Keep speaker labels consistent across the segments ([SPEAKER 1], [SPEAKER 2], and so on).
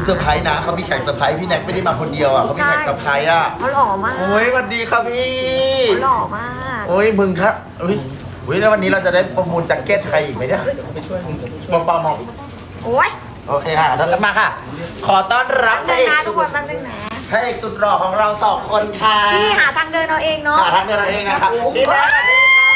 [SPEAKER 1] เซอร์ไพรส์นะเขามีแขกเซอร์ไพรส์พี่แน็กไม่ได้มาคนเดียวอ่ะเขามีแขกเซอร์ไพรส์อ่ะ
[SPEAKER 2] เขาหล่อมาก
[SPEAKER 1] โอ้ยสวัสดีครับพี่
[SPEAKER 2] เขาหล่อมาก
[SPEAKER 1] โอ้ยมึงครับอุ้ยแล้ววันนี้เราจะได้ประมูลแจ็คเก็ตใครอีกไหมเนี่ยมองเปล่ามอง
[SPEAKER 2] โอ้ย
[SPEAKER 1] โอเคค่ะต้อนรับมาค่ะ ขอต้อนรับพ
[SPEAKER 2] เดิ
[SPEAKER 1] ระ
[SPEAKER 2] น
[SPEAKER 1] เอก
[SPEAKER 2] นะทุ
[SPEAKER 1] สุ
[SPEAKER 2] ก
[SPEAKER 1] ด
[SPEAKER 2] คนมันเป็นแหม
[SPEAKER 1] พระเอกสุดหล่อของเราสองคนค่ะ
[SPEAKER 2] พี่หาทางเดินเอาเองเนาะ
[SPEAKER 1] หาทางเดินเราเองนะครับพี่แน็กสวัสดีค่ะ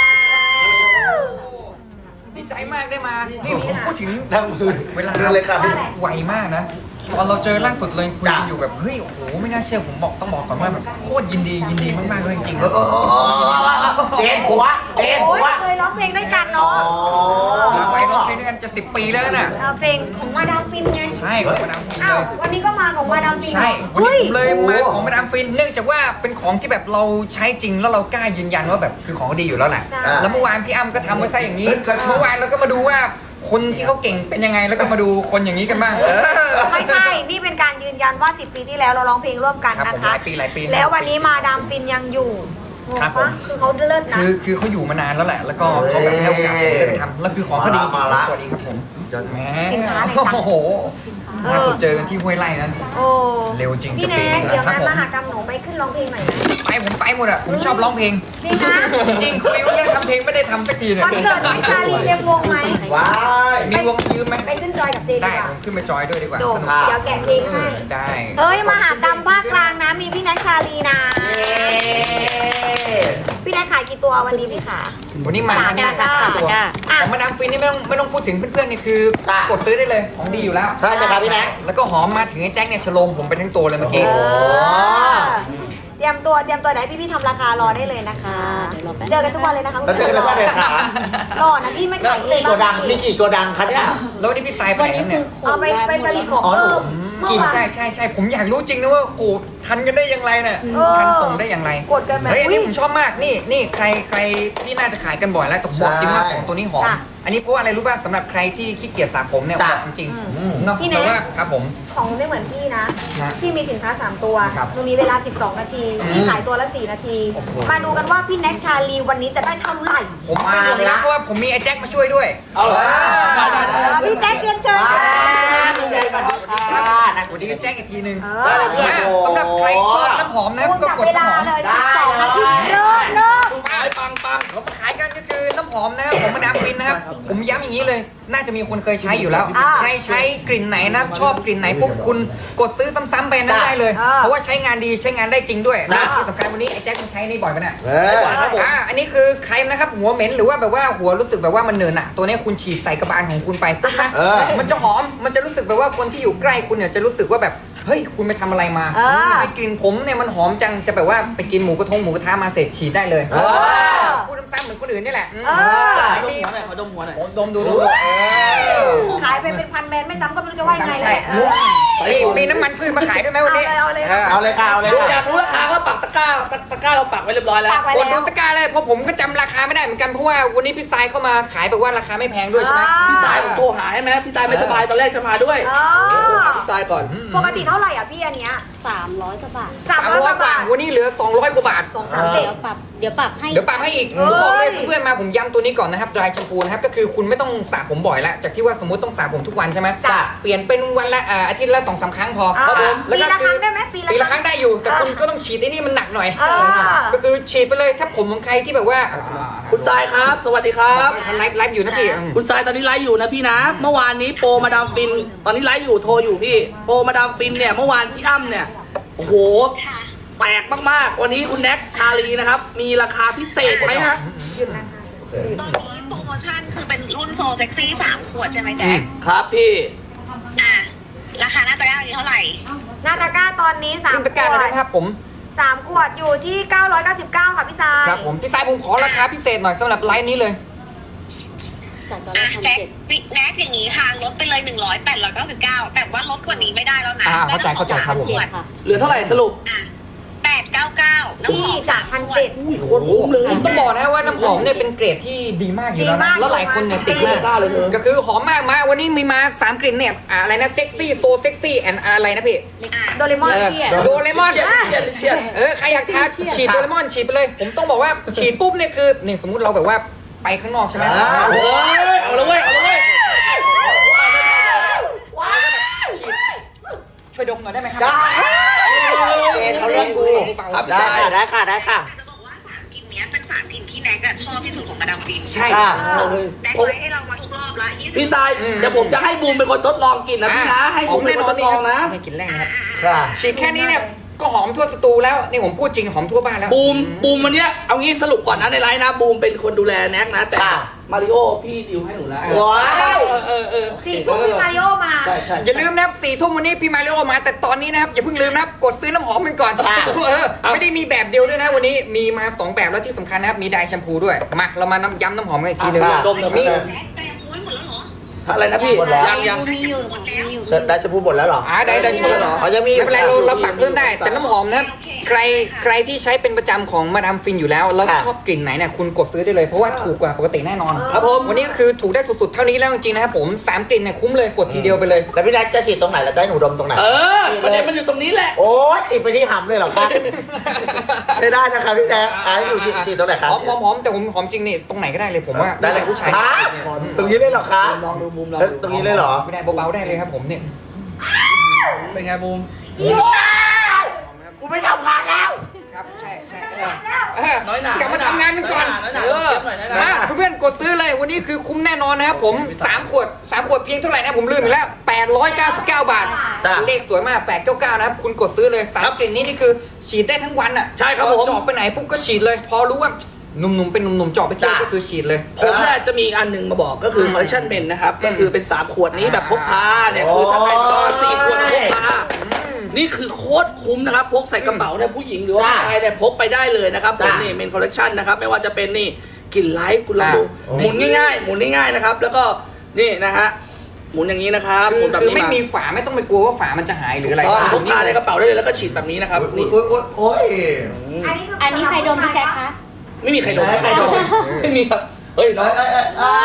[SPEAKER 3] ดีใจมากได้มา นี่ผมพูดถึง
[SPEAKER 1] ทั้งมือ
[SPEAKER 3] เวลา
[SPEAKER 1] เรื่องเลยค่ะพี่
[SPEAKER 3] ไวมากนะ ตอนเราเจอล่าสุดเลยคุยกัน
[SPEAKER 1] จ้ะ
[SPEAKER 3] อยู่แบบเฮ้ยโอ้โหไม่น่าเชื่อผมต้องบอกก่อนว่าแบบโคตรยินดีมากๆเลยจริงๆ
[SPEAKER 1] เจนหัวเจน
[SPEAKER 2] โอ้
[SPEAKER 1] หั
[SPEAKER 2] ยว เคยร้องเพลงด้วยกันเนาะ
[SPEAKER 3] มาไว้ร้องเพลงด้วยกันจะ10 ปีแล้วน่ะ
[SPEAKER 2] เอาเพลงของมาดามฟินไง
[SPEAKER 3] ใช่ของมาดามฟิน
[SPEAKER 2] อ้า
[SPEAKER 3] เล
[SPEAKER 2] วย วันนี้ก็มาของมาดามฟิน
[SPEAKER 3] ใช่วัน
[SPEAKER 2] เฮ้ย
[SPEAKER 3] นี้ผมเลยมาของมาดามฟินเนื่องจากว่าเป็นของที่แบบเราใช้จริงแล้วเรากล้ายืนยันว่าแบบคือของดีอยู่แล้วแหละ
[SPEAKER 2] ใช่
[SPEAKER 3] แล้วเมื่อวานพี่อ้ำก็ทำไว้ซะอย่างนี้เมื่อวานเราก็มาดูว่าคนที่เขาเก่งเป็นยังไงแล้วก็มาดูคนอย่างนี้กันบ้าง
[SPEAKER 2] ไม่ใช่ นี่เป็นการยืนยันว่า 10 ปีที่แล้วเราร้องเพลงร่วมกัน
[SPEAKER 3] ครับ
[SPEAKER 2] นะ
[SPEAKER 3] ผม
[SPEAKER 2] คะ
[SPEAKER 3] หลายปี
[SPEAKER 2] แล้ววันนี้มาดามฟินยังอยู่งง
[SPEAKER 3] ครับผ
[SPEAKER 2] ปะ
[SPEAKER 3] ม
[SPEAKER 2] คือเขาเลิศนะ
[SPEAKER 3] คือเขาอยู่มานานแล้วแหละ แล้วก็เขาแบบให้โอกาสผมได้ไปทำแล้วคือของเขาดีจริง
[SPEAKER 1] มาละ
[SPEAKER 3] สวัสดีครับผมแหม
[SPEAKER 2] สินค้าในจัง
[SPEAKER 3] โอ้โหล่าสุดเจอกันที่ห้วยไร่นั้น
[SPEAKER 2] โอ้
[SPEAKER 3] เร็วจริง
[SPEAKER 2] พี่
[SPEAKER 3] จะปี
[SPEAKER 2] แน็
[SPEAKER 3] นึ
[SPEAKER 2] ก
[SPEAKER 3] ง
[SPEAKER 2] เดี๋
[SPEAKER 3] แล้
[SPEAKER 2] ยว
[SPEAKER 3] วครับ
[SPEAKER 2] งาน
[SPEAKER 3] ผม
[SPEAKER 2] มหากรรมหนูไปขึ้นร้องเพลงหน่อยนะ
[SPEAKER 3] ผมไปหมดอ่ะผมชอบร้องเพลง
[SPEAKER 2] จริงนะ
[SPEAKER 3] จริงคุยว่าเรื่องทำเพลงไม่ได้ทำสักทีเนี่ย
[SPEAKER 2] วันเกิดพี่ชาลีเต็มวงไหม
[SPEAKER 1] ว้าย
[SPEAKER 3] มีวงยืมไหม
[SPEAKER 2] ไปขึ้นจอยกับเจดี
[SPEAKER 3] ได้
[SPEAKER 2] กว่า
[SPEAKER 3] ผมขึ้นไปจอยด้วยดีกว่า
[SPEAKER 2] จบ
[SPEAKER 3] สนุก
[SPEAKER 2] เดี๋ยวแกะเพลงให้
[SPEAKER 3] ได้
[SPEAKER 2] เฮ้ยมหากรรมภาคกลางนะ มีพี่นัทชาลีนะ พี่นัทขายกี่ตัววันนี้พี่ขา
[SPEAKER 3] วันนี้มา
[SPEAKER 2] สาม
[SPEAKER 3] เนี่ย
[SPEAKER 2] จ้ะ
[SPEAKER 3] ตัว
[SPEAKER 2] จ้ะอ่ะ
[SPEAKER 3] ของมาดามฟินนี่ไม่ต้องพูดถึงเพื่อนๆนี่คือกดซื้อได้เลยของดีอยู่แล้ว
[SPEAKER 1] ใช่ไหมครับพี่แน็ก
[SPEAKER 3] แล้วก็หอมมาถึงไอ้แจ็คเนี่ยฉโลมผมไปทั้งตัวเลยเมื่อกี้
[SPEAKER 2] เออเตรียมตัวเดี๋ยวพี่ๆทำราคารอได้เลยนะคะ เจอกันทุกวันเลยนะคะ
[SPEAKER 1] แล้วเจอกันทุกวันเลยค่ะ
[SPEAKER 2] รอนะพี่ไม่
[SPEAKER 1] แล้ว
[SPEAKER 2] ขายเอ
[SPEAKER 1] นี่
[SPEAKER 2] ง
[SPEAKER 1] โกดังมีกี่โกดังคะเนี่ย
[SPEAKER 3] แล้ววันนี้พี่สายไปไหนครับเนี่ย
[SPEAKER 2] เอาไปผลิตของ
[SPEAKER 1] อ๋อหนู
[SPEAKER 2] เพิ่มเมื่อวาน
[SPEAKER 3] ใช่ผมอยากรู้จริงนะว่าโอ้ทันกันได้อย่างไรเนี่ย
[SPEAKER 2] เออ
[SPEAKER 3] ทันส่งได้อย่างไร
[SPEAKER 2] กดกันแบบ
[SPEAKER 3] เฮ้ยอันนี้
[SPEAKER 2] อุ๊ย
[SPEAKER 3] ผมชอบมากนี่ใครที่น่าจะขายกันบ่อยแล้วแต่ผมบอกจริงว่าของตัวนี้หอม
[SPEAKER 2] จ้ะ
[SPEAKER 3] อันนี้เพราะว่าอะไรรู้ป่ะสำหรับใครที่ขี้เกียจสระผมเนี่ย
[SPEAKER 1] จ้ะ
[SPEAKER 3] บอกจริง
[SPEAKER 1] อืม
[SPEAKER 3] ๆเนาะ
[SPEAKER 2] พี่แน็
[SPEAKER 3] แต่
[SPEAKER 2] ก
[SPEAKER 3] ว่าครับผม
[SPEAKER 2] ของไม่เหมือนพี่นะ
[SPEAKER 3] ฮะ
[SPEAKER 2] พี่มีสินค้า 3 ตัว
[SPEAKER 3] ครับ
[SPEAKER 2] หนูมีเวลา 12 นาที พี่ขายตัวละ 4 นาที มาดูกันว่าพี่แน็กชาลีวันนี้จะได้เท่าไหร่
[SPEAKER 3] ผมมาเลยนะเพราะว่าผมมีไอ้แจ็คมาช่วยด้วย
[SPEAKER 1] เอาเหรอ
[SPEAKER 2] พี่แจ็คเรียนเชิญ
[SPEAKER 1] ว้า
[SPEAKER 2] ค่ะ
[SPEAKER 1] ยพี่แน็กสวัสดีค่ะนัก
[SPEAKER 3] สวัสดีกับแจ็คอีกทีนึง
[SPEAKER 2] เอ
[SPEAKER 1] ได้
[SPEAKER 2] อ
[SPEAKER 1] เลย
[SPEAKER 3] สำหรับใครชอบน้ำหอมนะ
[SPEAKER 2] วง
[SPEAKER 3] ก็
[SPEAKER 2] จับ
[SPEAKER 3] กด
[SPEAKER 2] เว
[SPEAKER 3] น้ำ
[SPEAKER 2] ลา
[SPEAKER 3] หอม
[SPEAKER 2] เลย
[SPEAKER 1] ได้
[SPEAKER 2] 12 นาทีเริ่ม
[SPEAKER 3] ปังผมมาขายกันก็คือน้ำหอมนะครับผมมาดามฟินนะครับผมย้ำอย่างนี้เลย น่าจะมีคนเคยใช้อยู่แล้ว
[SPEAKER 2] อ่า
[SPEAKER 3] ใครใช้กลิ่นไหนนะชอบกลิ่นไหนปุ๊บคุณกดซื้อซ้ำๆไปนั่นได้เลย
[SPEAKER 2] อ่า
[SPEAKER 3] เพราะว่าใช้งานดีใช้งานได้จริงด้วยและ
[SPEAKER 1] จ้ะ
[SPEAKER 3] ที่สำคัญวันนี้ไอ้แจ็คมันใช้นี่บ่อยปะเนี่ย
[SPEAKER 1] เออ
[SPEAKER 3] อันนี้คือใครนะครับหัวเหม็นหรือว่าแบบว่าหัวรู้สึกแบบว่ามันเหนอะหนะตัวนี้คุณฉีดใส่กระบาลของคุณไปปุ๊บนะ
[SPEAKER 1] เออ
[SPEAKER 3] มันจะหอมมันจะรู้สึกแบบว่าคนที่อยู่ใกล้คุณเนี่ยจะรู้สึกว่าแบบเฮ้ยคุณไปทำอะไรมา
[SPEAKER 2] เออ
[SPEAKER 3] ทำไมกลิ่นผมเนี่ยมันหอมจังจะแบบว่าไปกินหมูกระทะมาเสร็จฉีดได้เลย
[SPEAKER 1] เออ
[SPEAKER 3] พูดซ้ำๆเหมือนคนอื่นนี่แหละ
[SPEAKER 2] เออ
[SPEAKER 3] มี
[SPEAKER 4] ขอดมหัวหน่อย
[SPEAKER 3] ดมดู
[SPEAKER 2] ขายไปเป็นพันแบรนด์ไม่ซ้ำก็ไม่รู้จะว่ายังไง
[SPEAKER 3] ใช่
[SPEAKER 2] เลย
[SPEAKER 3] มีน้ำมันพืชมาขายด้วยไหมวันนี้
[SPEAKER 2] เอาเลย
[SPEAKER 1] เอาเลยค่ะเอาเลย
[SPEAKER 4] อ
[SPEAKER 1] ค่ะ
[SPEAKER 4] ยากรู้ราคาก็ปักตะกร้าเราปักไว้เรียบร้อยแล้ว
[SPEAKER 2] ฝากไว้
[SPEAKER 3] กด
[SPEAKER 2] แล้
[SPEAKER 3] ดู
[SPEAKER 2] ว
[SPEAKER 3] ตะกร้าเลยเพราะผมก็จำราคาไม่ได้เหมือนกันเพราะว่าวันนี้พี่ทรายเข้ามาขายแบบว่าราคาไม่แพงด้วยใช่ไหม
[SPEAKER 4] พี่สายผมโทรหาใช่ไหมพี่สายไม่สบายตอนแรกจะมาด้วย
[SPEAKER 2] อ๋อ
[SPEAKER 4] พี่สายก่อน
[SPEAKER 2] ปกติเท่าไหร่อ่ะพี่อันเนี้ย
[SPEAKER 5] 300กว่าบาท
[SPEAKER 2] 300 กว่าบาท
[SPEAKER 3] วันนี้เหลือ200กว่าบาท
[SPEAKER 2] 2 3 7
[SPEAKER 5] เดี๋ยวปรับให้
[SPEAKER 3] เดี๋ยวปรับให้อีก
[SPEAKER 2] เอ้ย
[SPEAKER 3] ผมบอกเลยเพื่อนๆมาผมย้ำตัวนี้ก่อนนะครับดรายแชมพูนะครับก็คือคุณไม่ต้องสระผมบ่อยแล้วจากที่ว่าสมมติต้องสระผมทุกวันใช่ไหม
[SPEAKER 2] จ้ะ
[SPEAKER 3] เปลี่ยนเป็นวันละอาทิตย์ละ2-3 ครั้งพอ
[SPEAKER 2] อ่า
[SPEAKER 3] ครับผม
[SPEAKER 2] ปีละครั้งได้ไหมปี
[SPEAKER 3] ปี
[SPEAKER 2] ละ
[SPEAKER 3] ละ
[SPEAKER 2] ค
[SPEAKER 3] ค
[SPEAKER 2] รั้
[SPEAKER 3] รั้
[SPEAKER 2] ง
[SPEAKER 3] งได้อยู่แต่
[SPEAKER 2] อ่า
[SPEAKER 3] คุณก็ต้องฉีดไอ้นี่มันหนักหน่อย
[SPEAKER 2] อ่า
[SPEAKER 3] ก็คือฉีดไปเลยถ้าผมของใครที่แบบว่า
[SPEAKER 4] คุณสายครับ สวัสดีครับ
[SPEAKER 3] ไลฟ์อยู่นะพี่
[SPEAKER 4] คุณสายตอนนี้ไลฟ์อยู่นะพี่นะ เมื่อวานนี้โปรมาดามฟิน ตอนนี้ไลฟ์อยู่โทรอยู่พี่ โปรมาดามฟินเนี่ยเมื่อวานพี่อ้ำเนี่ย โอ้โห แปลกมากๆ วันนี้คุณแน็กชาลีนะครับ มีราคาพิเศษไหมฮะ
[SPEAKER 2] หยุดนะคะ
[SPEAKER 6] ตอนนี้โปรโมชั่นคือเป็นรุ่นโซเซ็กซี่3 ขวดใช่ไหมแจ๊ค
[SPEAKER 4] ครับพี่
[SPEAKER 6] อ่ะ ราคาหน้าตะกร้าอยู่เท่าไหร่
[SPEAKER 2] หน้าตะกร้าตอนนี้
[SPEAKER 3] ขึ้น
[SPEAKER 2] 3
[SPEAKER 3] ตะ
[SPEAKER 2] ข
[SPEAKER 3] กร้าว
[SPEAKER 2] ด
[SPEAKER 3] เลยนะครับผม
[SPEAKER 2] 3 ขวดอยู่ที่ 999 ค่ะพี่ซาย
[SPEAKER 3] ครับผมพี่สายผมขอราคาพิเศษหน่อยสำหรับไลฟ์นี้เลย
[SPEAKER 5] จากตอนแร
[SPEAKER 6] อ่ะ
[SPEAKER 5] ก
[SPEAKER 6] แจ๊ค
[SPEAKER 5] 1,700
[SPEAKER 6] แน็กอย่างนี้ค่ะ ลดไปเลย 100 899 แต่ว่าลดกว่านี้ไม่ได้แล้วนะ
[SPEAKER 3] เข้าใจครับผม
[SPEAKER 6] ขวด
[SPEAKER 5] ค่ะ
[SPEAKER 4] เหลือเท่าไหร่สรุป
[SPEAKER 6] อ่ะ899 น้ำห
[SPEAKER 2] พี่
[SPEAKER 6] อม
[SPEAKER 2] จาก 1,700
[SPEAKER 4] โคตรคุ้มเลย
[SPEAKER 3] ผมต้องบอกนะว่าน้ำหอมเนี่ยเป็นเกรดที่ดีมากอยู่แล้ว
[SPEAKER 2] ดีมา
[SPEAKER 3] นะ
[SPEAKER 2] ก
[SPEAKER 3] แล้วหลายคนเนี่ยติด
[SPEAKER 2] ดี
[SPEAKER 3] มาม
[SPEAKER 2] าก
[SPEAKER 3] ก
[SPEAKER 4] กล้าเลยเธอ
[SPEAKER 3] ก็คือหอมมากมาวันนี้มีมา3กลิ่นเนี่ยอะไรนะเซ็กซี่โซเซ็กซี่แอนอะไรนะพี่
[SPEAKER 6] อ่ะ
[SPEAKER 2] โดเรมอน
[SPEAKER 3] โดเรมอน
[SPEAKER 4] เชียน
[SPEAKER 3] ใครอยากทาฉีดโดเรมอนฉีดไปเลย ผมต้องบอกว่าฉีดปุ๊บเนี่ยคือนี่สมมุติเราแบบว่าไปข้างนอกใช่ไหม
[SPEAKER 4] โอ้ยเอาละเว้ย เอาละเว้ย
[SPEAKER 3] กช่วยดมหน่อยได้ไหมครั
[SPEAKER 1] ได้เจนเขาเลือกกู
[SPEAKER 4] ครับ
[SPEAKER 1] ได้ค่ะได้ค่ะได้ค่ะ
[SPEAKER 6] จะบอกว่าสามกลิ่นเนี้ยเป็นสามกลิ่นที่แน็กอะชอบที่สุดของมาดามฟิน
[SPEAKER 3] ใช่
[SPEAKER 1] ค่ะ
[SPEAKER 6] แน็กไว้ให้เรามาทุกรอบละ20
[SPEAKER 4] พี่ทรายเดี๋ยวผมจะให้บูมเป็นคนทดลองกินนะพี่นะ ให้บูมเป็นคนทดลองนะ
[SPEAKER 3] ไม่กินแรกนะครับ
[SPEAKER 1] ค่ะ
[SPEAKER 3] ฉีดแค่นี้เนี่ยก็หอมทั่วสตูแล้วนี่ผมพูดจริงหอมทั่วบ้านแล้ว
[SPEAKER 4] บูมวันเนี้ยเอางี้สรุปก่อนนะในไลน์นะบูมเป็นคนดูแลแน็กนะ แต่
[SPEAKER 1] ค่ะ
[SPEAKER 4] มาริโอพี่ดิวให้หนูแล้ว
[SPEAKER 1] ว้าว
[SPEAKER 2] 4 ทุ่มพี่มาริโอมา
[SPEAKER 4] ใช่ใช่
[SPEAKER 3] อย่าลืมนะครับ4 ทุ่มวันนี้พี่มาริโอมาแต่ตอนนี้นะครับอย่าเพิ่งลืมนะครับกดซื้อน้ำหอมกันก่อนไม่ได้มีแบบเดียวด้วยนะวันนี้มีมา2แบบแล้วที่สำคัญนะครับมีไดร์แชมพูด้วยมาเรามาย้ำน้ำหอมกันอีกทีนึง
[SPEAKER 4] ดมหน่อย
[SPEAKER 3] นี่
[SPEAKER 6] แน็กแต่ยังม้วนหมดแล้วเหรอ
[SPEAKER 4] อะไรนะพี่
[SPEAKER 1] หมดแล้ว
[SPEAKER 4] ยัง
[SPEAKER 5] มีอยู่ค่ะมีอยู่
[SPEAKER 1] ได้จะพูดหมดแล้วเหรอ
[SPEAKER 3] ได้โชว์
[SPEAKER 1] อ๋อยังมี
[SPEAKER 3] ไม่เป็นไร
[SPEAKER 1] ค่ะ
[SPEAKER 3] เราปรับเพิ่มได้แต่น้ำหอมนะครับใครที่ใช้เป็นประจำของมาดามฟินอยู่แล้วแล้ว
[SPEAKER 1] ค่ะ
[SPEAKER 3] ชอบกลิ่นไหนเนี่ยคุณกดซื้อได้เลยเพราะว่าถูกกว่าปกติแน่นอน
[SPEAKER 4] ครับผม
[SPEAKER 3] วันนี้ก็คือถูกได้สุดๆเท่านี้แล้วจริงๆนะครับผม3กลิ่นเนี่ยคุ้มเลยกดทีเดียวไปเลย
[SPEAKER 1] แล้วพี่แน็กจะฉีดตรงไหนแล้วจะให้หนูดมตรงไหน
[SPEAKER 4] ประเด็นมันอยู่ตรงนี้แหละ
[SPEAKER 1] โอ้ยฉีดไปที่หำเลยเหรอคะ ไม่ได้นะครับพี่แน็กให้หนูฉีดตรงไหนครับ
[SPEAKER 3] หอมแต่ผมหอมจริงนี่ตรงไหนก็ได้เลยผมว่า
[SPEAKER 1] ได้เลย
[SPEAKER 3] ผู้ชาย
[SPEAKER 1] ฮะตรงนี้เลยเหรอคะ
[SPEAKER 4] ลองดูบูมลอง
[SPEAKER 1] แล้ว
[SPEAKER 4] ดู
[SPEAKER 1] ตรงนี้เลยเหรอ
[SPEAKER 3] ไม่ได้เบาๆได้เลยครับผมเนี่ย
[SPEAKER 4] เป็นไงบูม
[SPEAKER 1] กูไม่ทำงานแล้ว
[SPEAKER 3] ครับใช่
[SPEAKER 4] น้อยหนาก
[SPEAKER 3] ลับมาทำงานกันก่อน
[SPEAKER 4] น้อยหนา
[SPEAKER 3] เออ
[SPEAKER 4] เก็บหน่อยน้อยหนา
[SPEAKER 3] มาเพื่อนๆกดซื้อเลยวันนี้คือคุ้มแน่นอนนะครับผม3 ขวดเพียงเท่าไหร่นะผมลืมอีกแล้ว899 บาท
[SPEAKER 1] จ้ะ
[SPEAKER 3] เลขสวยมาก899นะครับคุณกดซื้อเลย3กลิ่นนี้นี่คือฉีดได้ทั้งวันอ่ะ
[SPEAKER 4] ใช่ครับผม
[SPEAKER 3] จอบไปไหนปุ๊บก็ฉีดเลย พอรู้ว่าหนุ่มๆเป็นหนุ่มๆจอบไปเที่ยวก็คือฉีดเลย
[SPEAKER 4] ผมเนี่ยจะมีอันหนึ่งมาบอกก็คือคอลเลคชันเบนนะครับ ก็คือเป็น 3 ขวดนี้แบบพกพาเนี่ยคือถ้าใครก็4 ขวดพกพานี่คือโคตรคุ้มนะครับ พกใส่กระเป๋าเนี่ยผู้หญิงหรือว่าผู้ชายเนี่ยพกไปได้เลยนะครับผมนี่เมนคอลเลคชันนะครับไม่ว่าจะเป็นนี่กลิ่นไลฟ์คุณลองดูหมุนง่ายๆหมุนง่ายๆนะครับแล้วก็นี่นะฮะหมุนอย่างนี้นะครับหมุนแบบ
[SPEAKER 3] คือ
[SPEAKER 4] นี้
[SPEAKER 3] ไม่
[SPEAKER 4] มา
[SPEAKER 3] มีฝาไม่ต้องไปกลัวว่าฝามันจะหายหรืออะไร
[SPEAKER 4] พกพาในกระเป๋าได้เลยแล้วก็ฉีดแบบนี้นะครับนี่
[SPEAKER 1] โอ้ย
[SPEAKER 5] อันนี้ใครดมพี่แจ๊คคะ
[SPEAKER 4] ไม่มีใครโดน
[SPEAKER 1] ใครโดน
[SPEAKER 4] ไม่มีครับเฮ้ยน้อง
[SPEAKER 1] เอ้ย